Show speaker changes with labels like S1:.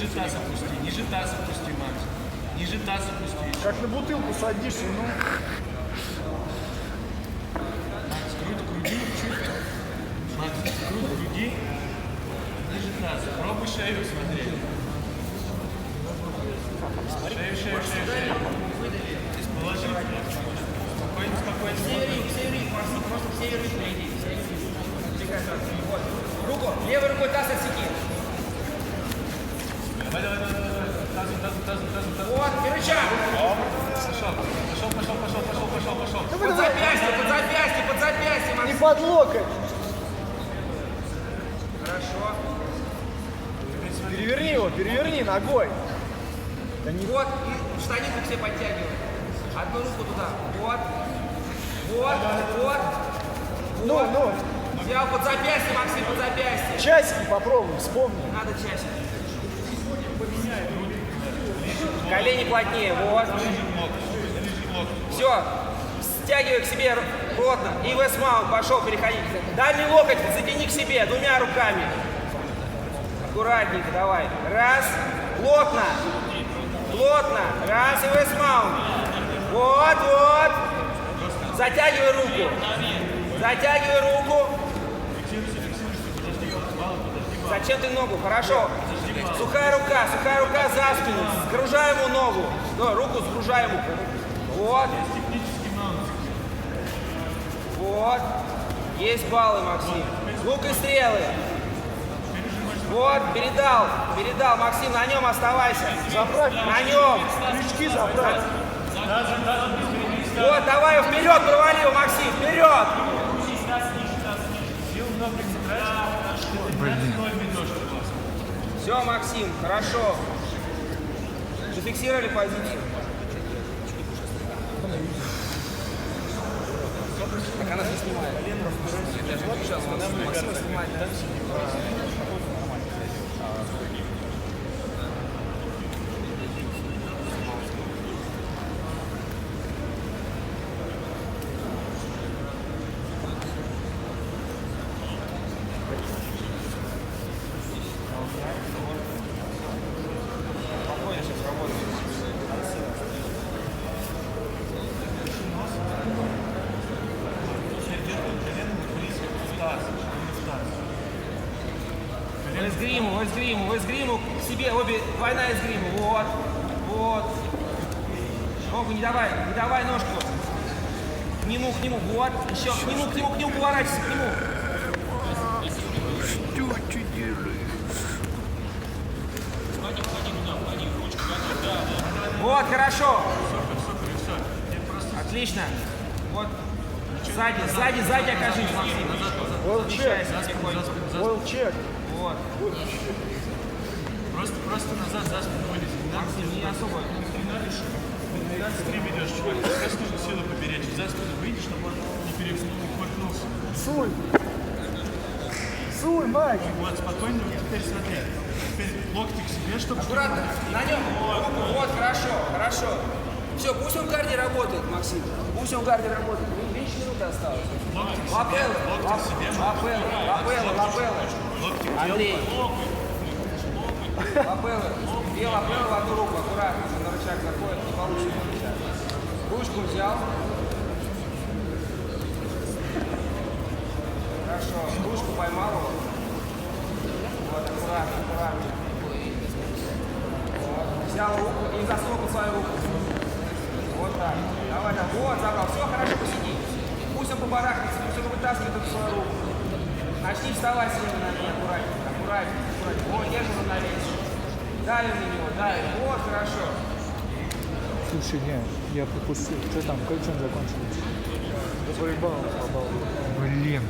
S1: ниже таз опусти, Макс. Ниже таз опусти.
S2: Как на бутылку садишься, ну.
S1: Макс, круть груди чуть. Макс, круть груди. Ниже таза. Пробуй шею смотреть. Шею. Положи. Спокойно.
S3: Северик, просто в северик впереди. Вот. Руку, левой рукой таз отсеки.
S1: Давай. Тазом.
S3: Вот, и рычаг.
S1: Пошел.
S3: Под запястье,
S2: Не
S3: Максим.
S2: под локоть.
S3: Хорошо.
S2: Переверни ногой.
S3: Вот, и штанинку к себе подтягивай. Одну руку туда. Вот.
S2: Ну.
S3: Взял под запястье, Максим, под запястье.
S2: Часики попробуй, вспомни.
S3: Надо чаще. Колени плотнее, вот. Все, стягивай к себе плотно. И вестмаунт, пошел, переходи. Дальний локоть затяни к себе двумя руками. Аккуратненько, давай. Раз, плотно. Раз, и вестмаунт. Вот. Затягивай руку. Зачем ты ногу? Хорошо. Сухая рука за спину. Сгружаем ему ногу. Да, руку сгружаем ему. Вот. Есть баллы, Максим. Лук и стрелы. Вот, передал, Максим, на нем оставайся.
S2: Заправь.
S3: На нем.
S2: Крючки заправь.
S3: Вот, давай вперед, провали его, Максим, вперед. Все, Максим, хорошо. Зафиксировали позицию. Так она же снимает. Я же выключал, Максим снимает. В эсгриму к себе, обе, двойная эсгрима, вот. Ногу не давай ножку. К нему, вот, еще, к нему, поворачивайся, к нему.
S2: Что ты делаешь?
S3: Вот, хорошо. Отлично. Вот. Сзади окажись, Максим. Смещайся потихоньку.
S2: Уэлл-чек.
S3: Вот.
S1: Просто назад за спину вылезти.
S3: Максим, не особо.
S1: Ты стрим идешь, чувак. Сейчас нужно силу поберечь. За спину выйдешь, чтобы он не перекувыркнулся.
S2: Суй, Майк.
S1: Вот, спокойно, теперь смотри. Теперь локти к себе, чтобы...
S3: Аккуратно. На нем. Вот, хорошо. Все, пусть он в гарде работает, Максим. Меньше минуты осталось. Лапеллы. Андрей. Лапеллы. Две лапеллы в одну руку, аккуратно. На рычаг заходит, не получится на рычаг. Ручку взял. Хорошо. Ручку поймал его. Вот, аккуратно. Вот. Взял руку и засунул под свою руку. Вот так. Давай. Вот, забрал. Все, хорошо, посиди. Пусть он побарахнется, пусть он вытаскивает эту свою руку. Начни вставать с левой ноги, аккуратненько. Вот, держи равновесие. Давим на него. Вот, хорошо.
S2: Слушай, я пропустил. Что там, как он закончилось? За рыбалом попал. Блин.